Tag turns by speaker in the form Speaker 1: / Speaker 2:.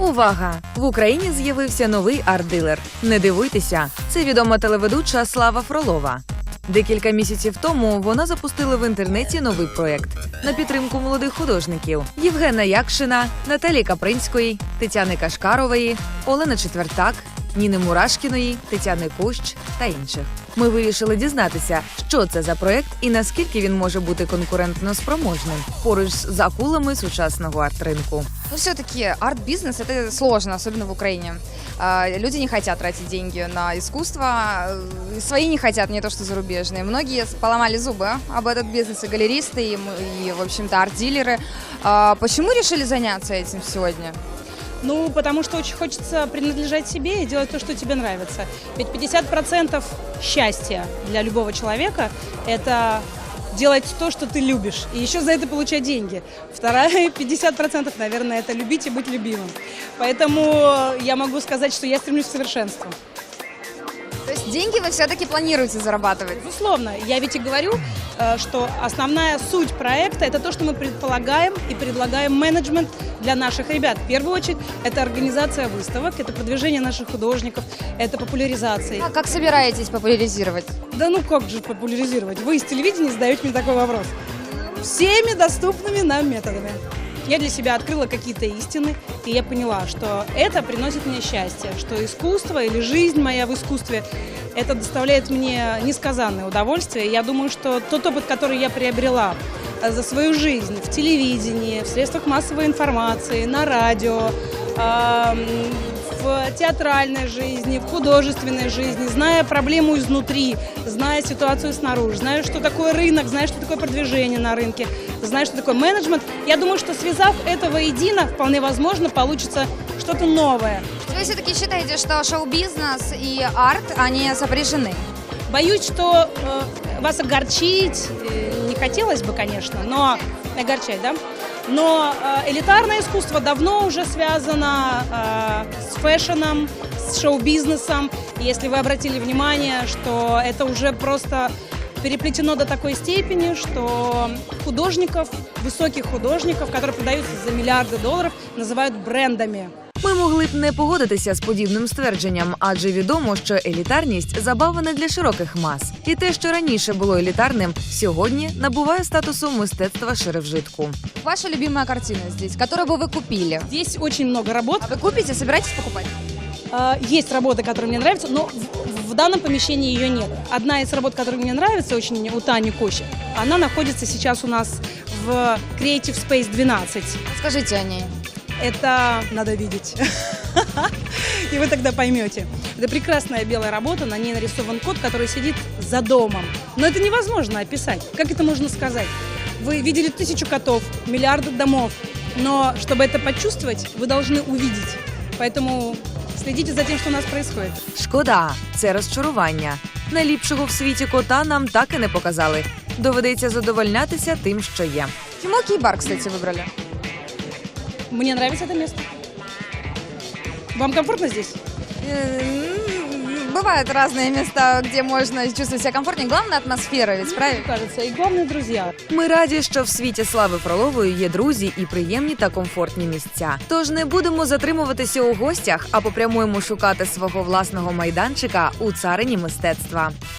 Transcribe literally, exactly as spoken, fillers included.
Speaker 1: Увага! В Україні з'явився новий арт-дилер. Не дивуйтеся, це відома телеведуча Слава Фролова. Декілька місяців тому вона запустила в інтернеті новий проєкт на підтримку молодих художників – Євгена Якшина, Наталії Капринської, Тетяни Кашкарової, Олени Четвертак, Ніни Мурашкіної, Тетяни Кущ та інших. Ми вирішили дізнатися, що це за проєкт і наскільки він може бути конкурентно спроможним поруч з акулами сучасного арт-ринку.
Speaker 2: Ну, все-таки арт-бизнес – это сложно, особенно в Украине. Люди не хотят тратить деньги на искусство, свои не хотят, не то что зарубежные. Многие поломали зубы об этот бизнес, и галеристы, и, и в общем-то, арт-дилеры. Почему решили заняться этим сегодня?
Speaker 3: Ну, потому что очень хочется принадлежать себе и делать то, что тебе нравится. Ведь пятьдесят процентов счастья для любого человека – это делать то, что ты любишь, и еще за это получать деньги. Вторая пятьдесят процентов, наверное, это любить и быть любимым. Поэтому я могу сказать, что я стремлюсь к совершенству.
Speaker 2: То есть деньги вы все-таки планируете зарабатывать?
Speaker 3: Безусловно. Я ведь и говорю, что основная суть проекта – это то, что мы предполагаем и предлагаем менеджмент для наших ребят. В первую очередь, это организация выставок, это продвижение наших художников, это популяризация.
Speaker 2: А как собираетесь популяризировать?
Speaker 3: Да ну как же популяризировать? Вы из телевидения задаете мне такой вопрос. Всеми доступными нам методами. Я для себя открыла какие-то истины, и я поняла, что это приносит мне счастье, что искусство или жизнь моя в искусстве, это доставляет мне несказанное удовольствие. Я думаю, что тот опыт, который я приобрела за свою жизнь в телевидении, в средствах массовой информации, на радио, в театральной жизни, в художественной жизни, зная проблему изнутри, зная ситуацию снаружи, зная, что такое рынок, зная, что такое продвижение на рынке, зная, что такое менеджмент, я думаю, что связав это воедино, вполне возможно, получится что-то новое.
Speaker 2: Вы все-таки считаете, что шоу-бизнес и арт, они сопряжены?
Speaker 3: Боюсь, что э, вас огорчить э, не хотелось бы, конечно, но огорчать, да? Но э, элитарное искусство давно уже связано э, с фэшном, с шоу-бизнесом. Если вы обратили внимание, что это уже просто переплетено до такой степени, что художников, высоких художников, которые продаются за миллиарды долларов, называют брендами.
Speaker 1: Ми могли б не погодитися з подібним ствердженням, адже відомо, що елітарність – забава не для широких мас. І те, що раніше було елітарним, сьогодні набуває статусу мистецтва ширевжитку.
Speaker 2: Ваша любимая картина здесь, которую бы вы купили?
Speaker 3: Здесь очень много работ.
Speaker 2: А вы купите, собираетесь покупать?
Speaker 3: Есть работа, которая мне нравится, но в, в данном помещении ее нет. Одна из работ, которая мне нравится, очень у Тани Кощи, она находится сейчас у нас в Creative Space двенадцать.
Speaker 2: Скажите о ней.
Speaker 3: Это надо видеть, и вы тогда поймете. Это прекрасная белая работа, на ней нарисован кот, который сидит за домом. Но это невозможно описать. Как это можно сказать? Вы видели тысячу котов, миллиарды домов, но чтобы это почувствовать, вы должны увидеть. Поэтому следите за тем, что у нас происходит.
Speaker 1: Шкода, це розчарування. Найліпшого в світі кота нам так і не показали. Доведеться задовольнятися тим, що є.
Speaker 2: Почему Кей-бар, кстати, выбрали?
Speaker 3: Мне нравится это место. Вам комфортно здесь?
Speaker 2: Бывают разные места, где можно чувствовать себя комфортнее. Главное атмосфера, ведь правильно?
Speaker 3: Кажется, и главное друзья.
Speaker 1: Ми раді, що в світі Слави Фролової є друзі і приємні та комфортні місця. Тож не будемо затримуватися у гостях, а попрямуємо шукати свого власного майданчика у царині мистецтва.